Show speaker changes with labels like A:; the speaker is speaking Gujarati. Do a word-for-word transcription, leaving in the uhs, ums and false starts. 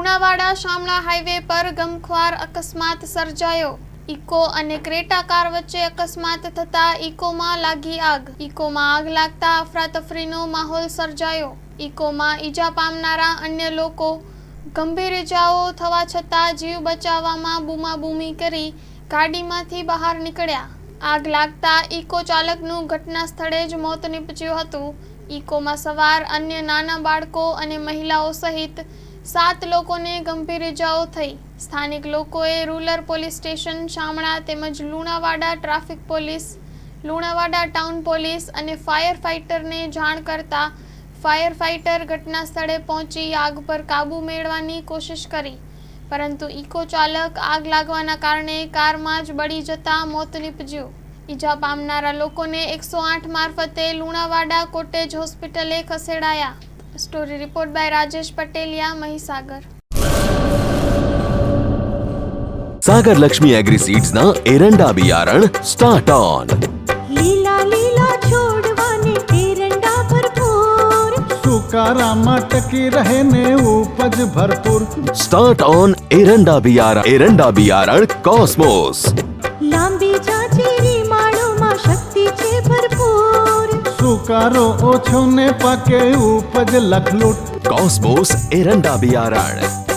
A: લુણાવાડા શામળા હાઈવે પર ગમખ્વાર અકસ્માત સર્જાયો। ઇકો અને ક્રેટા કાર વચ્ચે અકસ્માત થતા ઇકોમાં લાગી આગ। ઇકોમાં આગ લાગતા અફરાતફરીનો માહોલ સર્જાયો। ઇકોમાં ઈજા પામનારા અન્ય લોકો ગંભીર ઈજાઓ થવા છતાં જીવ બચાવવામાં બૂમાબૂમી કરી ગાડીમાંથી બહાર નીકળ્યા। આગ લાગતા ઇકો ચાલકનું ઘટના સ્થળે જ મોત નીપજ્યું હતું। ઇકોમાં સવાર અન્ય નાના બાળકો અને મહિલાઓ સહિત સાત લોકોને ગંભીર ઈજાઓ થઈ। સ્થાનિક લોકોએ રૂરલ પોલીસ સ્ટેશન શામળા તેમજ Lunawada traffic police, Lunawada town police અને ફાયર ફાઇટરને જાણ કરતા ફાયર ફાઇટર ઘટના સ્થળે પહોંચી આગ પર કાબૂ મેળવવાની કોશિશ કરી, પરંતુ ઇકો ચાલક આગ લાગવાના કારણે કારમાં જ બળી જતા મોત નીપજ્યું। ઈજા પામનારા લોકોને એકસો આઠ મારફતે લુણાવાડા કોટેજ હોસ્પિટલે ખસેડાયા। Story report by Rajesh Pateliya, Mahisagar.
B: Sagar Lakshmi agri seeds ना एरंडा बियारण स्टार्ट ऑन।
C: લીલા લીલા છોડવાને એરંડા ભરપૂર,
D: સુકારામાં ટકી રહે ને ઉપજ ભરપૂર।
B: स्टार्ट ऑन एरंडा बियारण एरंडा बियारण कॉस्मोस।
C: લાંબી જાચેરી માળોમાં શક્તિ છે ભરપૂર,
D: સુકારો ઓછો ને પાકે ઉપજ લખલૂટ।
B: कॉस्मोस एरंडा बियारण।